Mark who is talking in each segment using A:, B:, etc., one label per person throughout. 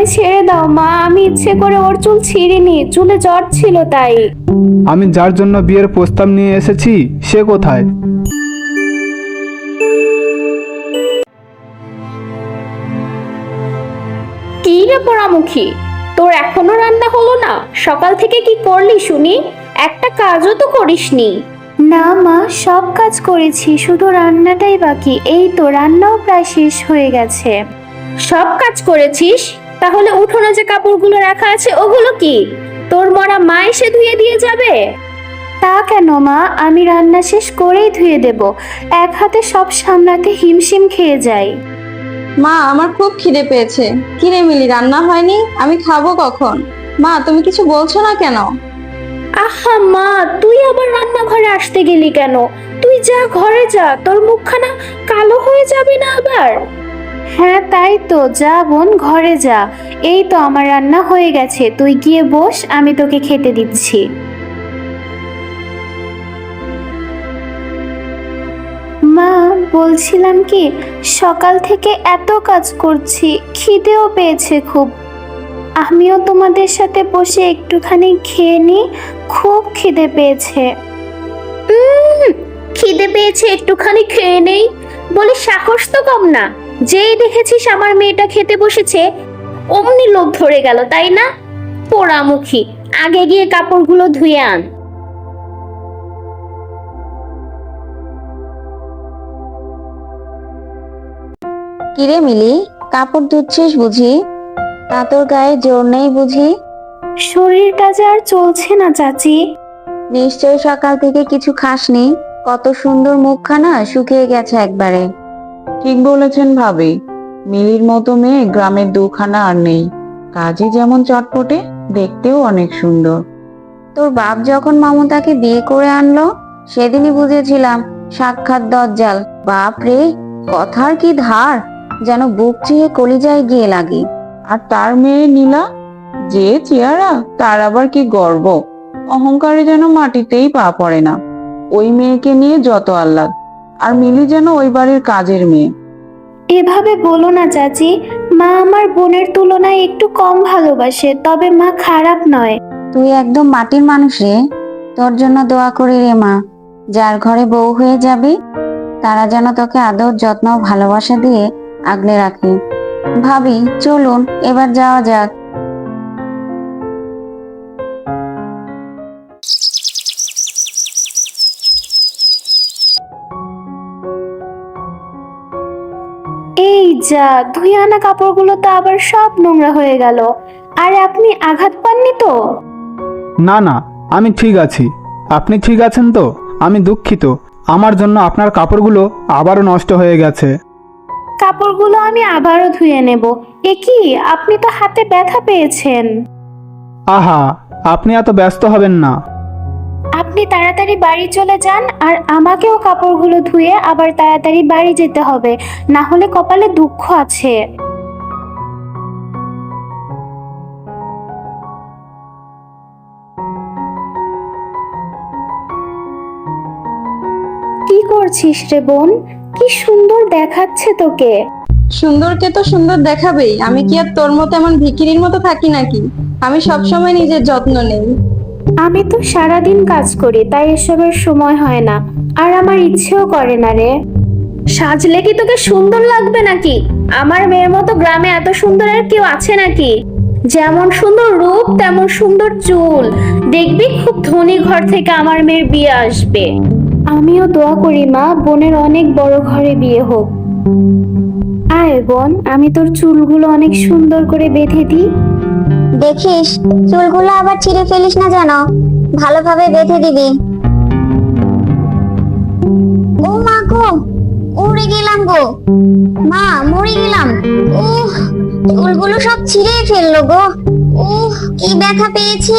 A: আমায় ছেড়ে দাও মা, আমি ইচ্ছে করে ওর চুল ছিঁড়িনি, চুলে জ্বর ছিল তাই।
B: আমি যার জন্য বিয়ের প্রস্তাব নিয়ে এসেছি সে কোথায়?
A: কি রে পোড়ামুখী, তোর এখনো রান্না হলো না? সকাল থেকে কি করলি শুনি? একটা কাজও তো করিসনি। না মা, সব কাজ করেছি, শুধু রান্নাটাই বাকি। এই তো রান্নাও প্রায় শেষ হয়ে গেছে। সব কাজ করেছিস? তাহলে উঠোনে যে কাপড়গুলো রাখা আছে ওগুলো কি? তোর মরা মা এসে ধুয়ে দিয়ে যাবে? তা কেন মা, আমি রান্না শেষ করেই ধুয়ে দেব। এক হাতে সব সামলাতে হিমশিম খেয়ে যাই।
C: মা, আমার খুব খিদে পেয়েছে। কি রে মিলি, রান্না হয়নি? আমি খাবো কখন? মা, তুমি কিছু বলছো না কেন?
A: আহা মা, তুই আবার রান্নাঘরে আসতে গেলি কেন? তুই যা, ঘরে যা, তোর মুখখানা কালো হয়ে যাবে না আবার? হ্যাঁ তাই তো, যা বোন, ঘরে যা। এই তো আমার রান্না হয়ে গেছে, তুই গিয়ে বস, আমি তোকে খেতে দিচ্ছি। মা, বলছিলাম কি, সকাল থেকে এত কাজ করছি, খিদেও পেয়েছে খুব। আমিও তোমাদের সাথে বসে একটুখানি খেয়ে নি, খুব খিদে পেয়েছে। খিদে পেয়েছে একটুখানি খেয়ে নেই বলে সাহস তো কম না। যেই দেখেছিস আমার মেয়েটা খেতে বসেছে অমনি লোভ ধরে গেল, তাই না? পোড়ামুখী, আগে গিয়ে কাপড়গুলো ধুয়ে আন।
C: কি রে মিলি, কাপড় ধুচ্ছিস বুঝি? তা তোর গায়ে জোর নেই বুঝি?
A: শরীরটা যে আর চলছে না চাচি।
C: নিশ্চয়ই সকাল থেকে কিছু খাসনি। কত সুন্দর মুখখানা শুকিয়ে গেছে একবারে।
D: ঠিক বলেছেন ভাবি, মিলির মতো মেয়ে গ্রামের দুখানা আর নেই। কাজই যেমন চটপটে, দেখতেও অনেক সুন্দর।
C: তোর বাপ যখন মমতাকে বিয়ে করে আনলো সেদিনই বুঝেছিলাম সাক্ষাৎ দজ্জাল। বাপ রে, কথার কি ধার, যেন বুক চিয়ে কলিজায় গিয়ে লাগে।
D: আর তার মেয়ে নীলা, যে চেহারা, তার আবার কি গর্ব। অহংকারে যেন মাটিতেই পা পড়ে না। ওই মেয়েকে নিয়ে যত আহ্লাদ, আর মিলি যেন ওই বাড়ির কাজের মেয়ে।
A: এভাবে বলো না চাচি, মা আমার বোনের তুলনায় একটু কম ভালোবাসে, তবে মা খারাপ নয়।
C: তুই একদম মাটির মানুষ রে। তোর জন্য দোয়া করি রে মা, যার ঘরে বউ হয়ে যাবি তারা যেন তোকে আদর যত্ন ভালোবাসা দিয়ে আগলে রাখে। ভাবি, চলুন এবার যাওয়া যাক।
A: এই যা, ধুয়ে আনা কাপড়গুলো তো আবার সব নোংরা হয়ে গেল। আর আপনি আঘাত পাননি তো?
B: না না, আমি ঠিক আছি। আপনি ঠিক আছেন তো? আমি দুঃখিত, আমার জন্য আপনার কাপড়গুলো আবারও নষ্ট হয়ে গেছে।
A: কাপড়গুলো আমি আবারও ধুয়ে নেব। এ কি, আপনি তো হাতে ব্যথা পেয়েছেন।
B: আহা, আপনি এত ব্যস্ত হবেন না।
A: আপনি তাড়াতাড়ি বাড়ি চলে যান, আর আমাকেও কাপড়গুলো ধুয়ে আবার তাড়াতাড়ি বাড়ি যেতে হবে, না হলে কপালে দুঃখ আছে। কি করছিস রে বোন? কি সুন্দর দেখাচ্ছে তোকে।
C: সুন্দরকে তো সুন্দর দেখাবেই, আমি কি আর তোর মতো এমন ভিখিরির মতো থাকি নাকি? আমি সবসময় নিজের যত্ন নেই।
A: আমি তো সারাদিন কাজ করি, তাই এসবের সময় হয় না, আর আমার ইচ্ছেও করে না রে। সাজলে কি তোকে সুন্দর লাগবে নাকি? আমার মেয়ের মতো গ্রামে এত সুন্দর আর কেউ আছে নাকি? যেমন সুন্দর রূপ তেমন সুন্দর চুল। দেখবি খুব ধনী ঘর থেকে আমার মেয়ের বিয়ে আসবে। আমিও দোয়া করি মা, বোনের অনেক বড় ঘরে বিয়ে হোক। আয় বোন, আমি তোর চুলগুলো অনেক সুন্দর করে বেঁধে দিই।
E: দেখিস চুলগুলো আবার ছিঁড়ে ফেলিস না যেন, ভালোভাবে বেঁধে দিবি। ও মা গো, উড়ে গেলাম গো, মা মরে গেলাম। উহ, চুলগুলো সব ছিঁড়ে ফেললো গো। উহ, কি ব্যথা পেয়েছি।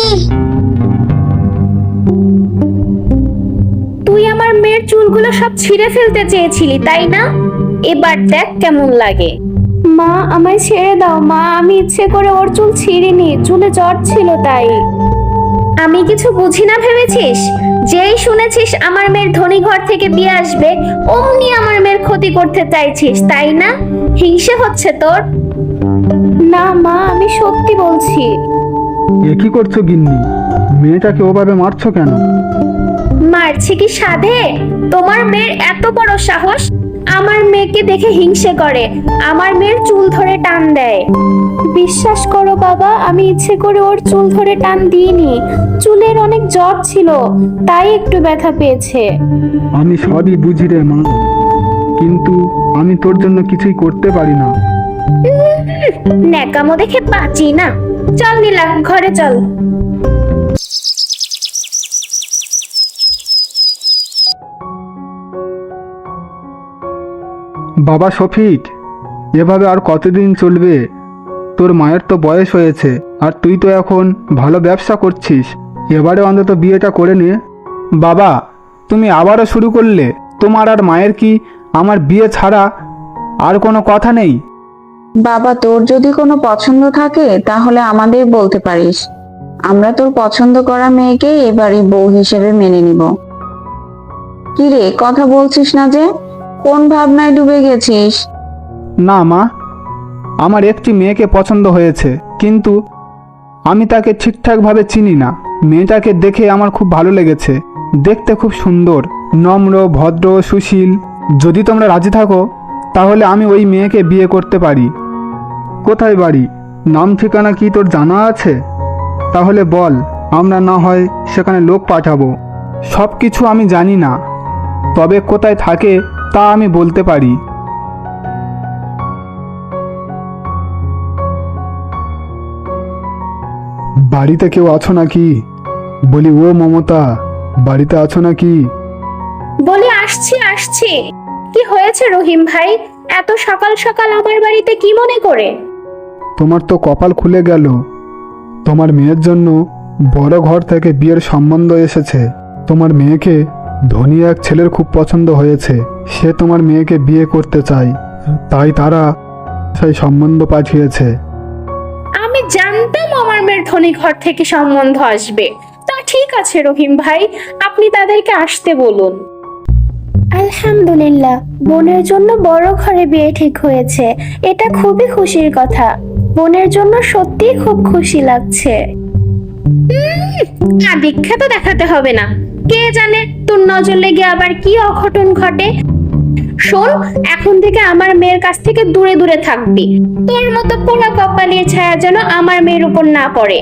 A: তুই আমার মেয়ের চুলগুলো সব ছিঁড়ে ফেলতে চেয়েছিলি, তাই না? এবার দেখ কেমন লাগে। মা, আমায় ছেড়ে দাও মা, আমি ইচ্ছে করে ওর চুল ছিঁড়িনি, চুলে জ্বর ছিল তাই। আমি কিছু বুঝি না ভেবেছিস? যেই শুনেছিস আমার মেয়ের ধনী ঘর থেকে বিয়ে আসবে অমনি আমার মেয়ের ক্ষতি করতে চাইছিস, তাই না? হিংসে হচ্ছে তোর? না মা, আমি সত্যি বলছি।
B: এ কি করছো গিন্নি? মেয়েটাকে ওভাবে মারছো কেন?
A: মারছি কি সাধে? তোমার মেয়ের এত বড় সাহস আমার মেয়েকে দেখে হিংসে করে, আমার মেয়ের চুল ধরে টান দেয়। বিশ্বাস করো বাবা, আমি ইচ্ছে করে ওর চুল ধরে টান দিইনি। চুলের অনেক জ্বর ছিল, তাই একটু ব্যথা পেয়েছে।
B: আমি সবই বুঝি রে মা, কিন্তু আমি তোর জন্য কিছুই করতে পারি না।
A: ন্যাকামো দেখে বাঁচি না। চল নীলা, ঘরে চল।
B: বাবা শফিক, এভাবে আর কতদিন চলবে? তোর মায়ের তো বয়স হয়েছে, আর তুই তো এখন ভালো ব্যবসা করছিস। এবারে অন্তত বিয়েটা করে নে। বাবা, তুমি আবারও শুরু করলে? তোমার আর মায়ের কি আমার বিয়ে ছাড়া আর কোনো কথা নেই?
D: বাবা, তোর যদি কোনো পছন্দ থাকে তাহলে আমাদের বলতে পারিস। আমরা তোর পছন্দ করা মেয়েকে এবারে বউ হিসেবে মেনে নিব। কি রে, কথা বলছিস না যে? কোন ভাবনায় ডুবে গেছিস?
B: না মা, আমার একটি মেয়েকে পছন্দ হয়েছে, কিন্তু আমি তাকে ঠিকঠাকভাবে চিনি না। মেয়েটাকে দেখে আমার খুব ভালো লেগেছে, দেখতে খুব সুন্দর, নম্র, ভদ্র, সুশীল। যদি তোমরা রাজি থাকো তাহলে আমি ওই মেয়েকে বিয়ে করতে পারি। কোথায় বাড়ি, নাম ঠিকানা কি তোর জানা আছে? তাহলে বল, আমরা না হয় সেখানে লোক পাঠাবো। সব কিছু আমি জানি না, তবে কোথায় থাকে তা আমি বলতে পারি। বাড়িতে কেউ আছো নাকি? বলি ও মমতা, বাড়িতে আছো নাকি?
A: বলি আসছি আসছি। কি হয়েছে রহিম ভাই, এত সকাল সকাল আমার বাড়িতে কি মনে করে?
B: তোমার তো কপাল খুলে গেল। তোমার মেয়ের জন্য বড় ঘর থেকে বিয়ের সম্বন্ধ এসেছে। তোমার মেয়েকে ধনী এক ছেলের খুব পছন্দ হয়েছে, সে তোমার মেয়েকে বিয়ে করতে চায়, তাই তারা সেই সম্বন্ধ পাঠিয়েছে।
A: আমি জানতাম আমার মেয়ের ধনী ঘর থেকে সম্বন্ধ আসবে। তা ঠিক আছে রহিম ভাই, আপনি তাদেরকে আসতে বলুন। আলহামদুলিল্লাহ, বোনের জন্য বড় ঘরে বিয়ে ঠিক হয়েছে। এটা খুবই খুশির কথা। বোনের জন্য সত্যিই খুব খুশি লাগছে। দীক্ষা তো দেখাতে হবে না, কে জানে তোর নজর লেগে আবার কি অঘটন ঘটে। শোন, এখন থেকে আমার মেয়ের কাছ থেকে দূরে দূরে থাকবি। তোর মতো পোড়া কপালের ছায়া যেন আমার মেয়ের উপর না পড়ে।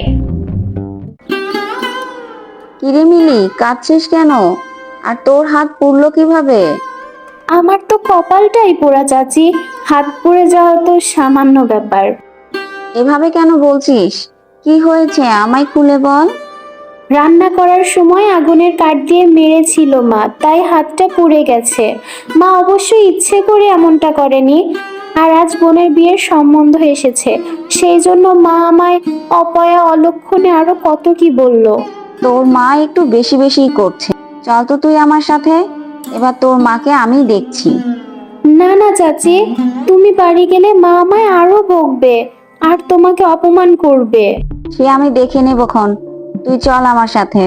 C: কিরে মিলি, কাঁদছিস কেন? আর তোর হাত পুড়লো কিভাবে?
A: আমার তো কপালটাই পোড়া চাচি, হাত পুড়ে যাওয়া তো সামান্য ব্যাপার।
C: এভাবে কেন বলছিস? কি হয়েছে আমায় খুলে বল।
A: রান্না করার সময় আগুনের কাঠ দিয়ে মেরেছিল মা, তাই হাতটা পুড়ে গেছে। মা অবশ্যই ইচ্ছে করে এমনটা করেনি। আর আজ বোনের বিয়ের সম্বন্ধ এসেছে, সেই জন্য মা আমায় অপয়া অলক্ষণে আরো কত কি বলল।
C: তোর মা একটু বেশি বেশি করছে। চল তো তুই আমার সাথে, এবার তোর মাকে আমি দেখছি।
A: না না চাচি, তুমি বাড়ি গেলে মা আমায় আরো বকবে আর তোমাকে অপমান করবে।
C: সে আমি দেখে নেবক্ষণ, তুই চল আমার সাথে।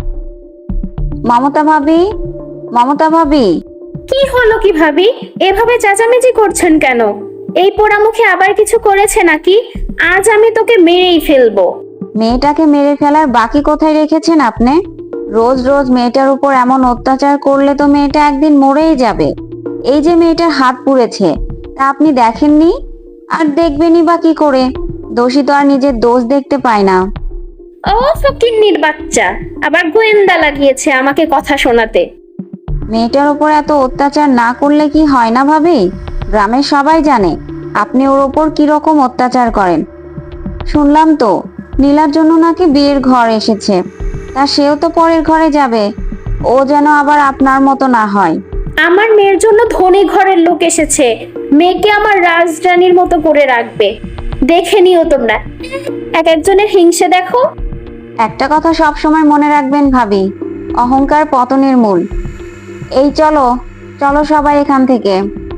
C: মমতা ভাবি, মমতা ভাবি।
A: কি হলো কি ভাবি, এভাবে চেঁচামেচি করছেন কেন? এই পোড়ামুখে আবার কিছু করেছে নাকি? আজ আমি তোকে মেরেই ফেলবো।
C: মেয়েটাকে মেরে ফেলার বাকি কোথায় রেখেছেন আপনি? রোজ রোজ মেয়েটার উপর এমন অত্যাচার করলে তো মেয়েটা একদিন মরেই যাবে। এই যে মেয়েটার হাত পুড়েছে, তা আপনি দেখেননি? আর দেখবেনই বা কি করে? দোষী তো আর নিজের দোষ দেখতে পায় না।
A: ও ফকিন্নির বাচ্চা, আবার গোয়েন্দা লাগিয়েছে আমাকে কথা শোনাতে।
C: মেয়েটার উপর এত অত্যাচার না করলে কি হয় না ভাবি? গ্রামের সবাই জানে আপনি ওর ওপর কিরকম অত্যাচার করেন। শুনলাম তো নীলার জন্য নাকি বিয়ের ঘর এসেছে, তা সেও তো পরের ঘরে যাবে। ও যেন আবার আপনার মতো না হয়।
A: আমার মেয়ের জন্য ধনী ঘরের লোক এসেছে, মেয়েকে আমার রাজরানীর মতো করে রাখবে। দেখে নিও তোমরা, এক একজনের হিংসে দেখো।
C: একটা কথা সব সময় মনে রাখবেন ভাবি, অহংকার পতনের মূল। এই চলো চলো সবাই এখান থেকে।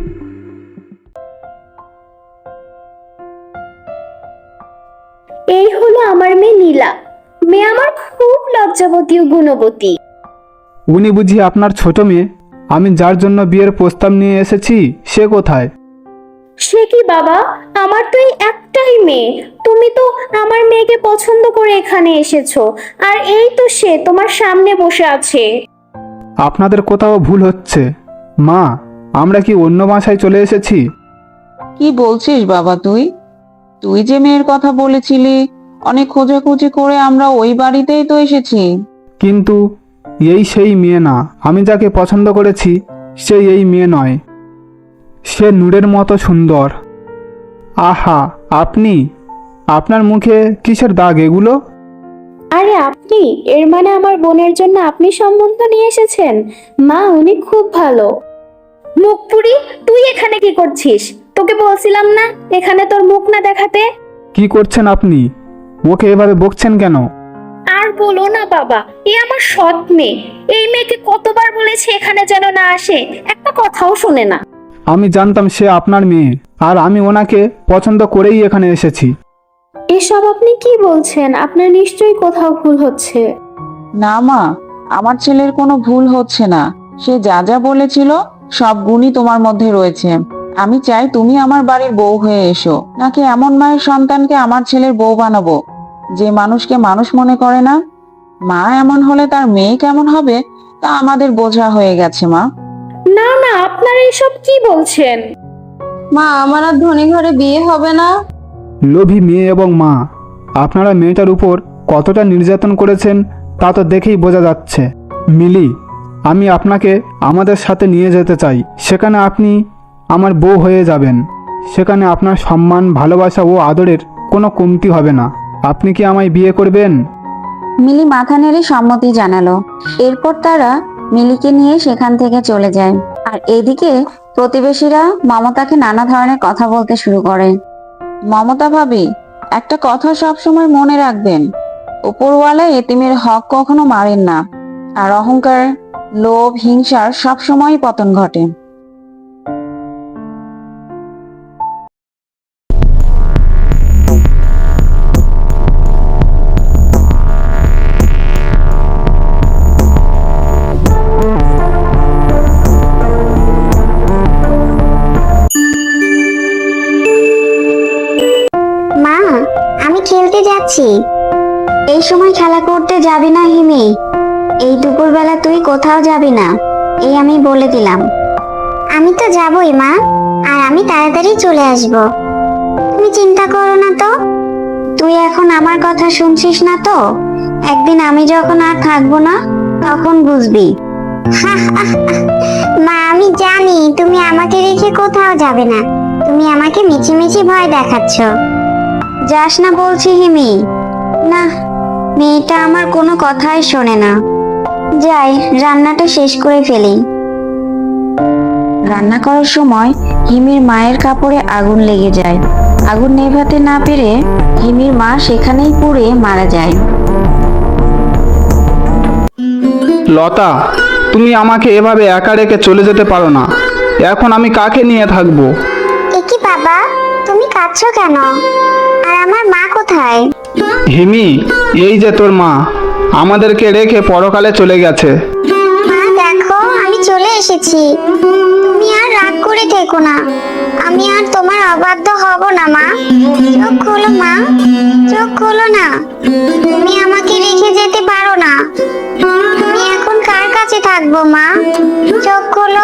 A: এই হলো আমার মেয়ে নীলা। মেয়ে আমার খুব লজ্জাবতী ও গুণবতী।
B: উনি বুঝি আপনার ছোট মেয়ে? আমি যার জন্য বিয়ের প্রস্তাব নিয়ে এসেছি সে কোথায়?
A: সে কি বাবা, আমার তো এই একটাই মেয়ে। তুমি তুমি তো আমার মেয়েকে পছন্দ করে এখানে এসেছো, আর এই তো সে তোমার সামনে বসে আছে।
B: আপনাদের কোথাও ভুল হচ্ছে। মা, আমরা কি অন্য বাসায় চলে এসেছি?
D: কি বলছিস বাবা তুই? তুই যে মেয়ের কথা বলেছিলি, অনেক খোঁজাখুঁজি করে আমরা ওই বাড়িতেই তো এসেছি।
B: কিন্তু এই সেই মেয়ে না। আমি যাকে পছন্দ করেছি সে এই মেয়ে নয়। সে নূরের মতো সুন্দর। আহা, আপনি, আপনার মুখে কিসের দাগ এগুলো?
A: আরে আপনি, এর মানে আমার বোনের জন্য আপনি সম্বন্ধ নিয়ে এসেছেন? মা, উনি খুব ভালো। মুখপুরি, তুই এখানে কি করছিস? তোকে বলছিলাম না এখানে তোর মুখ না দেখাতে।
B: কি করছেন আপনি? ওকে এভাবে বকছেন কেন?
A: আর বলো না বাবা, এ আমার সৎ মেয়ে। এই মেয়েকে কতবার বলেছি এখানে যেন না আসে, একটা কথাও শোনে না।
B: আমি জানতাম সে আপনার মেয়ে, আর আমি ওনাকে পছন্দ করেই এখানে এসেছি।
A: এসব আপনি কি বলছেন? আপনার নিশ্চয়ই কোথাও ভুল হচ্ছে।
D: না মা, আমার ছেলের কোনো ভুল হচ্ছে না। সে যা যা বলেছিল সব গুণই তোমার মধ্যে রয়েছে। আমি চাই তুমি আমার বাড়ির বউ হয়ে এসো, নাকি এমন মায়ের সন্তানকে আমার ছেলের বউ বানাবো যে মানুষকে মানুষ মনে করে না। মা এমন হলে তার মেয়ে কেমন হবে তা আমাদের বোঝা হয়ে গেছে মা।
A: না না, আপনারা এসব কি বলছেন?
C: মা, আমার আর ধনী ঘরে বিয়ে হবে না।
B: লোভী মেয়ে এবং মা, আপনারা মেয়েটার উপর কতটা নির্যাতন করেছেন তা তো দেখেই বোঝা যাচ্ছে। মিলি, আমি আপনাকে আমাদের সাথে নিয়ে যেতে চাই। সেখানে আপনি আমার বউ হয়ে যাবেন। সেখানে আপনার সম্মান, ভালোবাসা ও আদরের কোনো কমতি হবে না। আপনি কি আমায় বিয়ে করবেন?
C: মিলি মাথা নেড়ে সম্মতি জানালো। এরপর তারা মিলিকে নিয়ে সেখান থেকে চলে যায়। আর এদিকে প্রতিবেশীরা মমতাকে নানা ধরনের কথা বলতে শুরু করে।
D: মমতা ভাবি, একটা কথা সব সময় মনে রাখবেন, উপরওয়ালা এতিমের হক কখনো মারেন না। আর অহংকার, লোভ, হিংসার সব সময়ই পতন ঘটে।
E: মা, আমি খেলতে যাচ্ছি। এই সময় খেলা করতে যাবি না হিমি। এই দুপুরবেলা তুই কোথাও যাবি না, এই আমি বলে দিলাম। আমি তো যাবই মা, আর আমি তাড়াতাড়ি চলে আসব। তুমি চিন্তা করো না তো। তুই এখন আমার কথা শুনছিস না তো? একদিন আমি যখন আর থাকবো না তখন বুঝবি। মা, আমি জানি তুমি আমাকে রেখে কোথাও যাবে না। তুমি আমাকে মিছিমিছি ভয় দেখাচ্ছ। যাস না বলছি হিমি। না, মেয়েটা আমার কোনো কথাই শোনে না। যাই, রান্নাটা শেষ করে ফেলি।
C: রান্না করার সময় হিমির মায়ের কাপড়ে আগুন লেগে যায়। আগুন নেভাতে না পেরে হিমির মা সেখানেই পুড়ে মারা যায়।
B: লতা, তুমি আমাকে এভাবে একা রেখে চলে যেতে পারো না। এখন আমি কাকে নিয়ে থাকবো?
E: একি বাবা, তুমি কাঁদছো কেন? আর আমার মা কোথায়?
B: হিমি, এই যে তোর মা আমাদেরকে রেখে পরকালে চলে গেছে।
E: মা দেখো, আমি চলে এসেছি। তুমি আর রাগ করে থেকো না। আমি আর তোমার অবাধ্য হব না মা। চোখ খোলো মা, চোখ খোলো না। তুমি আমাকে রেখে যেতে পারো না। আমি এখন কার কাছে থাকবো মা? চোখ খোলো।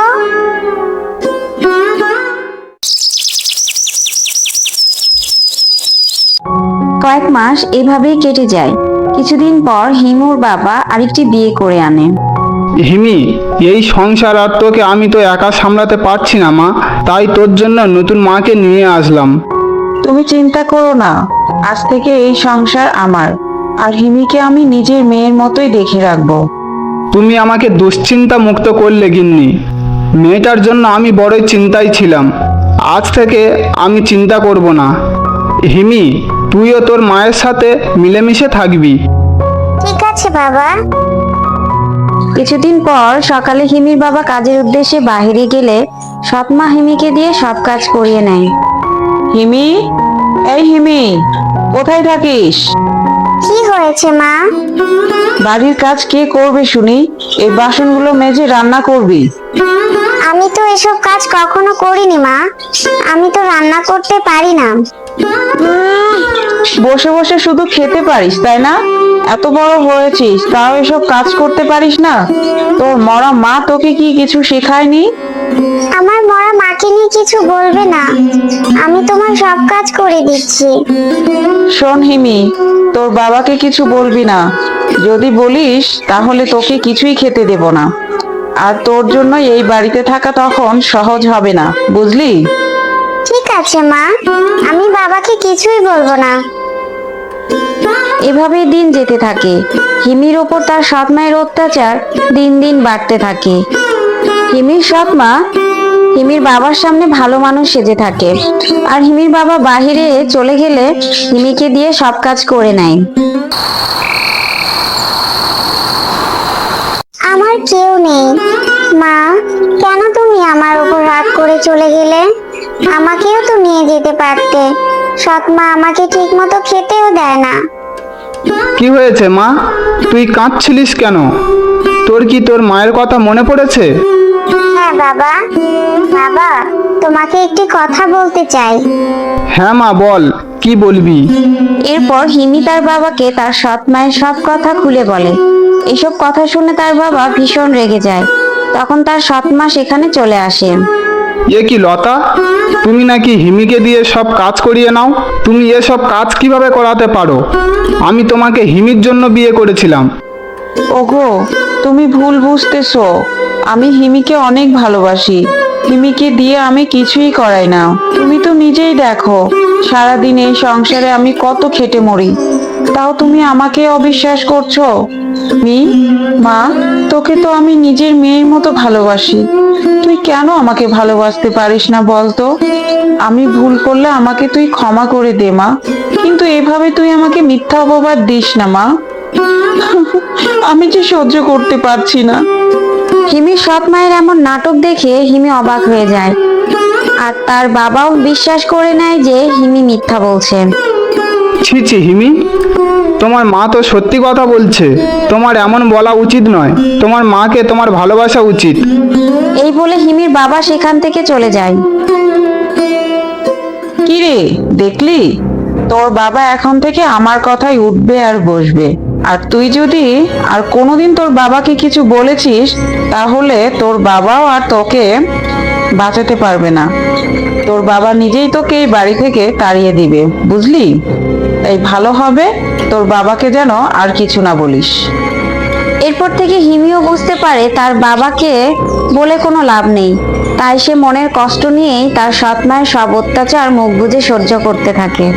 C: কয়েক মাস এভাবেই কেটে যায়। কিছুদিন পর হিমুর বাবা আরেকটি বিয়ে করে আনে।
B: হিমি, এই সংসার আর তোকে আমি তো একা সামলাতে পারছি না মা, তাই তোর জন্য নতুন মাকে নিয়ে আসলাম।
D: তুমি চিন্তা করো না, আজ থেকে এই সংসার আমার, আর হিমিকে আমি নিজের মেয়ের মতোই দেখে রাখবো।
B: তুমি আমাকে দুশ্চিন্তা মুক্ত করলে গিন্নি। মেয়েটার জন্য আমি বড়ই চিন্তায় ছিলাম। আজ থেকে আমি চিন্তা করব না। হিমি, তুইও তোর মায়ের সাথে মিলেমিশে থাকবি।
E: ঠিক আছে বাবা।
C: কিছুদিন পর সকালে হিমির বাবা কাজের উদ্দেশ্যে বাইরে গেলে সৎমা হিমিকে দিয়ে সব কাজ করিয়ে নেয়।
D: হিমি, এই হিমি, কোথায় থাকিস?
E: কি হয়েছে মা?
D: বাড়ির কাজ কে করবে শুনি? এই বাসনগুলো মেজে রান্না করবি।
E: আমি তো এসব কাজ কখনো করিনি মা। আমি তো রান্না করতে পারি না।
D: বসে বসে শুধু খেতে পারিস তাই না? এত বড় হয়েছিস তাও এসব কাজ করতে পারিস না? তোর মরা মা তোকে কি কিছু শেখায়নি?
E: আমার মরা মাকে নিয়ে কিছু বলবে না, আমি তোমার সব কাজ করে দিচ্ছি।
D: শোন হিমি, তোর বাবাকে কিছু বলবি না। যদি বলিস তাহলে তোকে কিছুই খেতে দেব না। আর তোর জন্য এই বাড়িতে থাকা তখন সহজ হবে না, বুঝলি?
E: ঠিক আছে মা, আমি বাবাকে কিছুই বলবো না।
C: এভাবেই দিন যেতে থাকে। হিমির ওপর তার সৎ মায়ের অত্যাচার দিন দিন বাড়তে থাকে। হিমির সৎ মা হিমির বাবার সামনে ভালো মানুষ সেজে থাকে, আর হিমির বাবা বাহিরে চলে গেলে হিমিকে দিয়ে সব কাজ করে নেয়।
E: আমার কেউ নেই মা, কেন তুমি আমার উপর রাগ করে চলে গেলে? আমাকেও তো নিয়ে যেতে পারতে। সৎ মা আমাকে ঠিক মতো খেতেও দেয় না।
B: কি হয়েছে মা, তুই কাঁদছিলিস কেন? তোর কি তোর মায়ের কথা মনে পড়েছে?
E: হ্যাঁ বাবা, বাবা তোমাকে একটি কথা বলতে চাই।
B: হ্যাঁ মা, বল, কি বলবি?
C: এরপর হিমি তার বাবাকে তার সৎ মায়ের সব কথা খুলে বলে। এসব কথা শুনে তার বাবা ভীষণ রেগে যায়। তখন তার সৎ মা সেখানে চলে আসে।
B: এ কি লতা, তুমি নাকি হিমিকে দিয়ে সব কাজ করিয়ে নাও? তুমি এসব কাজ কিভাবে করাতে পারো? আমি তোমাকে হিমির জন্য বিয়ে করেছিলাম।
D: ওগো, তুমি ভুল বুঝতেছো। আমি হিমিকে অনেক ভালোবাসি। হিমিকে দিয়ে আমি কিছুই করাই না। তুমি তো নিজেই দেখো, সারাদিন এই সংসারে আমি কত খেটে মরি, তাও তুমি আমাকে অবিশ্বাস করছো। মা, তোকে তো আমি নিজের মেয়ের মতো ভালোবাসি। তুই কেন আমাকে ভালোবাসতে পারিস না বলতো? আমি ভুল করলে আমাকে তুই ক্ষমা করে দে মা, কিন্তু এভাবে তুই আমাকে মিথ্যা অপবাদ দিস না মা। আমি যে সহ্য করতে পারছি না।
C: হিমির সৎ মায়ের এমন নাটক দেখে হিমি অবাক হয়ে যায়, আর তার বাবাও বিশ্বাস করে নেয় যে হিমি মিথ্যা বলছে।
B: ছি ছি হিমি, তোমার মা তো সত্যি কথা বলছে। তোমার এমন বলা উচিত নয়। তোমার মাকে তোমার ভালোবাসা উচিত।
C: এই বলে হিমির বাবা সেখান থেকে চলে যায়।
D: কি রে, দেখলি? তোর বাবা এখন থেকে আমার কথাই উঠবে আর বসবে। আর তুই যদি আর কোনোদিন তোর বাবাকে কিছু বলেছিস, তাহলে তোর বাবাও আর তোকে বাঁচাতে পারবে না। তোর বাবা নিজেই তোকে এই বাড়ি থেকে তাড়িয়ে দিবে, বুঝলি? তাই ভালো হবে তোর বাবাকে যেন আর কিছু না বলিস।
C: এরপর থেকে হিমিও বুঝতে পারে তার বাবাকে বলে কোনো লাভ নেই। তাই সে মনের কষ্ট নিয়েই তার সৎ মায়ের সব অত্যাচার মুখ বুজে সহ্য করতে থাকে।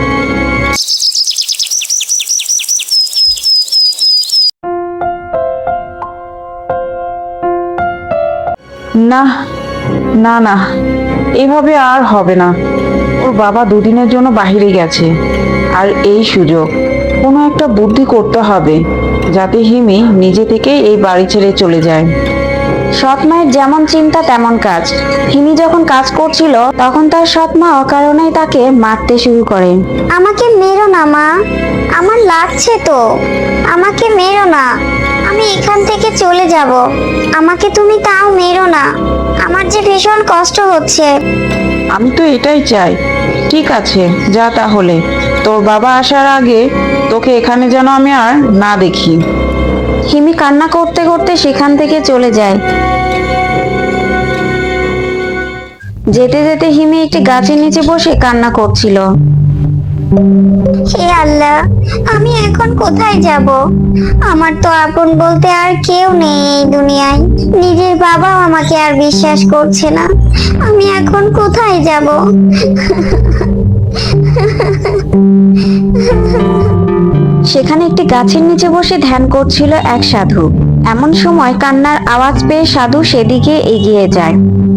D: না না না, এভাবে আর হবে না। ওর বাবা দুদিনের জন্য বাহিরে গেছে, আর এই সুযোগ কোনো একটা বুদ্ধি করতে হবে যাতে হিমি নিজে থেকেই এই বাড়ি ছেড়ে চলে যায়।
C: সৎ মায়ের যেমন চিন্তা তেমন কাজ। হিমি যখন কাজ করছিল তখন তার সৎ মা অকারণেই তাকে মারতে শুরু করে।
E: আমাকে মেরো না মা, আমার লাগছে তো। আমাকে মেরো না, আমি এখান থেকে চলে যাব। আমাকে তুমি তাও মেরো না, আমার যে ভীষণ কষ্ট হচ্ছে।
D: আমি তো এটাই চাই। ঠিক আছে, যা তাহলে। তোর বাবা আসার আগে তোকে এখানে যেন আমি আর না দেখি।
C: হিমি কান্না করতে করতে সেখান থেকে চলে যায়। যেতে যেতে হিমি একটি গাছের নিচে বসে কান্না করছিল।
E: হে আল্লাহ, আমি এখন কোথায় যাব? আমার তো আপন বলতে আর কেউ নেই এই দুনিয়ায়। নিজের বাবাও আমাকে আর বিশ্বাস করছে না। আমি এখন কোথায় যাব?
C: সেখানে একটি গাছের নিচে বসে ধ্যান করছিল এক সাধু। এমন সময় কান্নার আওয়াজ পেয়ে সাধু সেদিকে এগিয়ে যায়।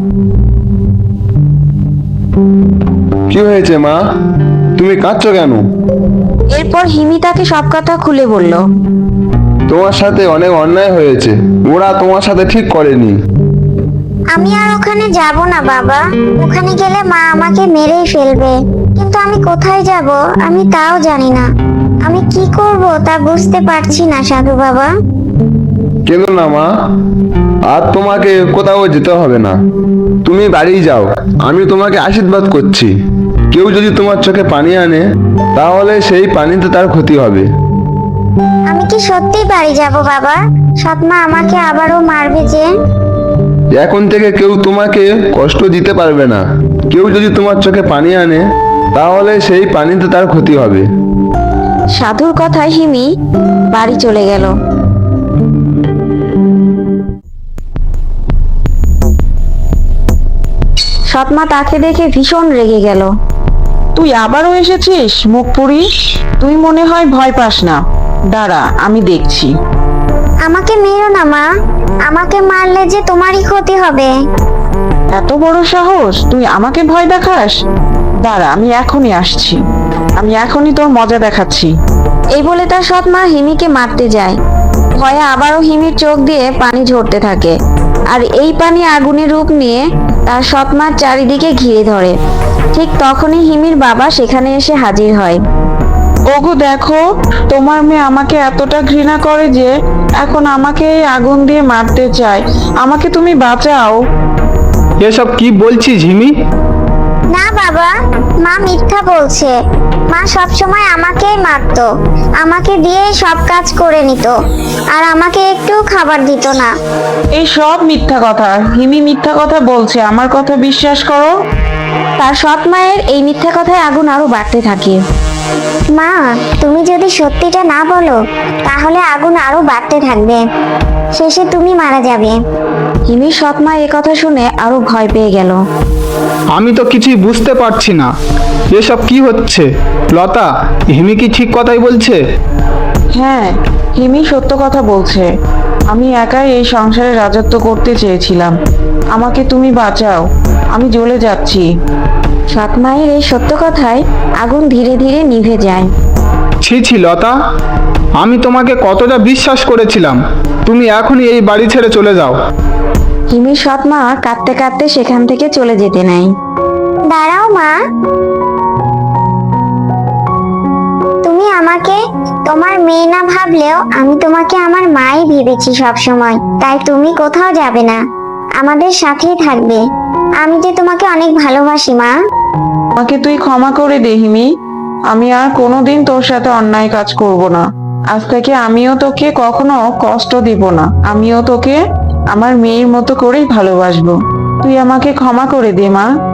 F: কি হয়েছে মা, তুমি কাঁদছো কেন?
C: এরপর হিমি তাকে সব কথা খুলে বলল।
F: তোমার সাথে অনেক অন্যায় হয়েছে, ওরা তোমার সাথে ঠিক করেনি।
E: আমি আর ওখানে যাব না বাবা। ওখানে গেলে মা আমাকে মেরেই ফেলবে। কিন্তু আমি কোথায় যাব আমি তাও জানি না। আমি কি করব তা বুঝতে পারছি না সাধু বাবা।
F: কেন না মা, আর তোমাকে কোথাও যেতে হবে না। তুমি বাড়ি যাও, আমি তোমাকে আশীর্বাদ করছি। কেউ যদি তোমার চোখে পানি আনে তাহলে সেই পানিতে তার ক্ষতি হবে।
E: আমি কি সত্যি বাড়ি যাব বাবা? সৎমা আমাকে আবারও মারবে যে?
F: এখন থেকে কেউ তোমাকে কষ্ট দিতে পারবে না। কেউ যদি তোমার চোখে পানি আনে তাহলে সেই পানিতে তার ক্ষতি হবে।
C: সাধুর কথায় হিমি বাড়ি চলে গেল। সৎমা তাকে দেখে ভীষণ রেগে গেল।
D: তুই আবারও এসেছিস মুখ পুরি? তুই মনে হয় ভয় পাস না। দাঁড়া, আমি দেখছি।
E: আমাকে মেরো না মা, আমাকে মারলে যে তোমারই ক্ষতি হবে।
D: এত বড় সাহস, তুই আমাকে ভয় দেখাস? দাঁড়া, আমি এখনই আসছি। আমি এখনই তোর মজা দেখাচ্ছি।
C: এই বলে তার সৎমা হিমিকে মারতে যায়। ভয়ে আবারও হিমির চোখ দিয়ে পানি ঝরতে থাকে, আর এই পানি আগুনের রূপ নিয়ে তার সৎমার চারিদিকে ঘিরে ধরে। ঠিক তখনই হিমির বাবা সেখানে এসে হাজির হয়।
D: ওগো দেখো, তোমার মেয়ে আমাকে এতটা ঘৃণা করে যে এখন আমাকে এই আগুন দিয়ে মারতে চায়। আমাকে তুমি বাঁচাও।
B: এসব কি বলছিস হিমি?
E: না বাবা, মা মিথ্যা বলছে। মা সবসময় আমাকেই মারতো, আমাকে দিয়ে সব কাজ করে নিত, আর আমাকে একটু খাবার দিত না।
D: এই সব মিথ্যা কথা। হিমি মিথ্যা কথা বলছে, আমার কথা বিশ্বাস করো।
C: তার সৎ মায়ের এই মিথ্যা কথায় আগুন আরো বাড়তে থাকে।
E: মা, তুমি যদি সত্যিটা না বলো তাহলে আগুন আরো বাড়তে থাকবে, শেষে তুমি মারা যাবে।
C: হিমির সৎ মা এ কথা শুনে আরো ভয় পেয়ে গেল।
B: আমি তো কিছুই বুঝতে পারছি না, এসব কি হচ্ছে? লতা, হিমি কি ঠিক কথাই বলছে?
D: হ্যাঁ, হিমি সত্য কথা বলছে। আমি একাই এই সংসারে রাজত্ব করতে চেয়েছিলাম। আমাকে তুমি বাঁচাও, আমি জ্বলে যাচ্ছি।
C: সৎ মায়ের এই সত্য কথায় আগুন ধীরে ধীরে নিভে যায়।
B: ছি ছি লতা, আমি তোমাকে কতটা বিশ্বাস করেছিলাম। তুমি এখনই এই বাড়ি ছেড়ে চলে যাও।
C: হিমির সৎ মা কাঁদতে কাঁদতে সেখান থেকে চলে যেতে নেয়।
E: দাঁড়াও মা, তুমি আমাকে তোমার মেয়ে না ভাবলেও আমি তোমাকে আমার মাই ভেবেছি সব সময়। তাই তুমি কোথাও যাবে না, আমাদের সাথেই থাকবে। আমি যে তোমাকে অনেক ভালোবাসি মা।
D: আমাকে তুই ক্ষমা করে দে হিমি। আমি আর কোনোদিন তোর সাথে অন্যায় কাজ করব না। আজ থেকে আমিও তোকে কখনো কষ্ট দিব না। আমিও তোকে আমার মেয়ের মতো করেই ভালোবাসবো। তুই আমাকে ক্ষমা করে দে মা।